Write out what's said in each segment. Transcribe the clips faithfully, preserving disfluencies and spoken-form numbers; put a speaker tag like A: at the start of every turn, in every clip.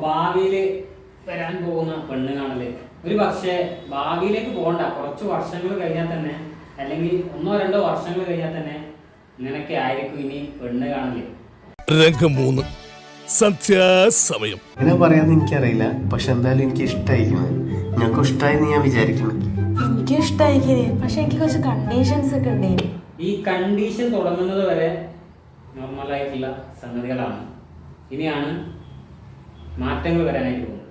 A: ഭാവിയിൽ വരാൻ പോകുന്ന പെണ്ണ് കാണല് ഒരു പക്ഷേ ഭാവിയിലേക്ക് പോകണ്ട, കുറച്ച് വർഷങ്ങൾ കഴിഞ്ഞാൽ തന്നെ, അല്ലെങ്കിൽ ഒന്നോ രണ്ടോ വർഷങ്ങൾ കഴിഞ്ഞാൽ തന്നെ ഇങ്ങനെയൊക്കെ ആയിരിക്കും ഇനി പെണ്ണ് കാണല്.
B: രംഗം മൂന്ന് സന്ധ്യാസമയം.
C: എങ്ങനെ പറയാന്ന് എനിക്കറിയില്ല, പക്ഷെ എന്തായാലും എനിക്ക് ഇഷ്ടമായിരിക്കുന്നത്. ഞങ്ങൾക്ക് ഇഷ്ടമായെന്ന് ഞാൻ വിചാരിക്കുന്നു.
D: എനിക്ക് ഇഷ്ടമായിരിക്കേ, പക്ഷെ എനിക്ക് കുറച്ച് കണ്ടീഷൻസ് ഒക്കെ ഉണ്ടായിരുന്നു.
A: ഈ കണ്ടീഷൻ തുടങ്ങുന്നത് വരെ നോർമലായിട്ടുള്ള സംഗതികളാണ്. ഇനിയാണ് മാറ്റങ്ങൾ വരാനായിട്ട് പോകുന്നത്.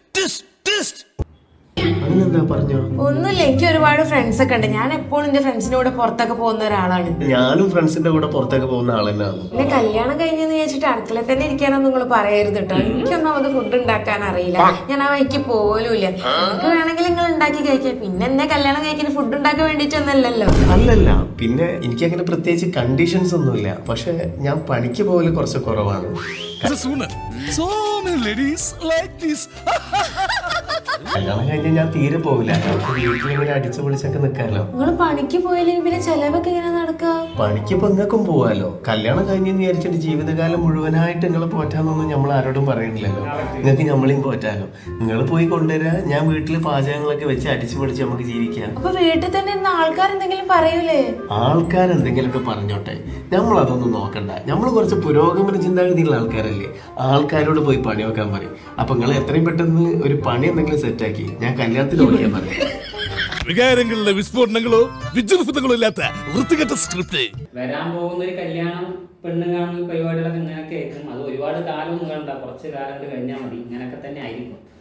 C: അതിനെന്താ പറഞ്ഞോ?
D: ഒന്നുമില്ല, എനിക്ക് ഒരുപാട് ഫ്രണ്ട്സ് ഒക്കെ ഉണ്ട്. ഞാൻ എപ്പോഴും എന്റെ ഫ്രണ്ട്സിന്റെ കൂടെ പുറത്തൊക്കെ പോകുന്ന ഒരാളാണ്.
C: ഞാനും ഫ്രണ്ട്സിന്റെ കൂടെ പുറത്തൊക്കെ പോകുന്ന ആൾ തന്നെയാണ്.
D: പിന്നെ കല്യാണം കഴിഞ്ഞെന്ന് വെച്ചിട്ട് അടുക്കളയിൽ തന്നെ ഇരിക്കാനൊന്നും നിങ്ങൾ പറയരുത് കേട്ടോ. എനിക്കൊന്നും അത് ഫുഡ് ഉണ്ടാക്കാൻ അറിയില്ല, ഞാൻ ആ വഴിക്ക് പോലുമില്ല. നിങ്ങൾക്ക് വേണമെങ്കിൽ നിങ്ങൾ ഉണ്ടാക്കി കഴിക്കാം, പിന്നെ എന്നെ കല്യാണം കഴിക്കാൻ ഫുഡ് ഉണ്ടാക്കാൻ വേണ്ടിയിട്ടൊന്നല്ലല്ലോ.
C: അല്ലല്ല, പിന്നെ എനിക്ക് അങ്ങനെ പ്രത്യേകിച്ച് കണ്ടീഷൻസ് ഒന്നുമില്ല. പക്ഷെ ഞാൻ പണിക്ക് പോകല് കുറച്ച് കുറവാണ്.
B: So many ladies like this.
C: കല്യാണം കഴിഞ്ഞാൽ ഞാൻ തീരെ പോകില്ല. നമുക്ക് വീട്ടിലിങ്ങനെ അടിച്ചു പൊളിച്ചൊക്കെ നിൽക്കാമല്ലോ.
D: നിങ്ങൾ പണിക്ക് പോയില്ലെങ്കിൽ പിന്നെ ചെലവൊക്കെ ഇങ്ങനെ നടക്കുക.
C: പണിക്ക് ഇപ്പൊ നിങ്ങൾക്കും പോവാലോ. കല്യാണം കഴിഞ്ഞെന്ന് വിചാരിച്ചിട്ട് ജീവിതകാലം മുഴുവനായിട്ട് നിങ്ങൾ പോറ്റാന്നൊന്നും നമ്മൾ ആരോടും പറയണില്ലല്ലോ. നിങ്ങൾക്ക് നമ്മളെയും പോറ്റാലോ. നിങ്ങൾ പോയി കൊണ്ടുവരാ, ഞാൻ വീട്ടിൽ പാചകങ്ങളൊക്കെ വെച്ച് അടിച്ചു പൊളിച്ച് നമുക്ക് ജീവിക്കാം.
D: അപ്പൊ വീട്ടിൽ തന്നെ ഇരുന്ന ആൾക്കാർ എന്തെങ്കിലും പറയൂലേ?
C: ആൾക്കാരെന്തെങ്കിലുമൊക്കെ പറഞ്ഞോട്ടെ, നമ്മൾ അതൊന്നും നോക്കണ്ട. നമ്മൾ കുറച്ച് പുരോഗമന ചിന്താഗതിയുള്ള ആൾക്കാരല്ലേ. ആൾക്കാരോട് പോയി പണി വെക്കാൻ പറയും. അപ്പൊ നിങ്ങൾ എത്രയും പെട്ടെന്ന് ഒരു പണി എന്തെങ്കിലും സെറ്റാക്കി ഞാൻ കല്യാണത്തിന് ഓടിക്കാൻ പറയാം.
B: വികാരങ്ങളുടെ വിസ്ഫോടനങ്ങളോ വിജൃംഭങ്ങളോ ഇല്ലാത്ത വൃത്തികെട്ട സ്ക്രിപ്റ്റ്.
A: വരാൻ പോകുന്ന ഒരു കല്യാണം പെണ്ണ് കാണൽ പരിപാടികളൊക്കെ ഇങ്ങനെയൊക്കെ ആയിരിക്കും. അത് ഒരുപാട് കാലമൊന്നും വേണ്ട, കുറച്ച് കാലം കൊണ്ട് കഴിഞ്ഞാൽ മതി. ഇങ്ങനെയൊക്കെ തന്നെ ആയിരിക്കും.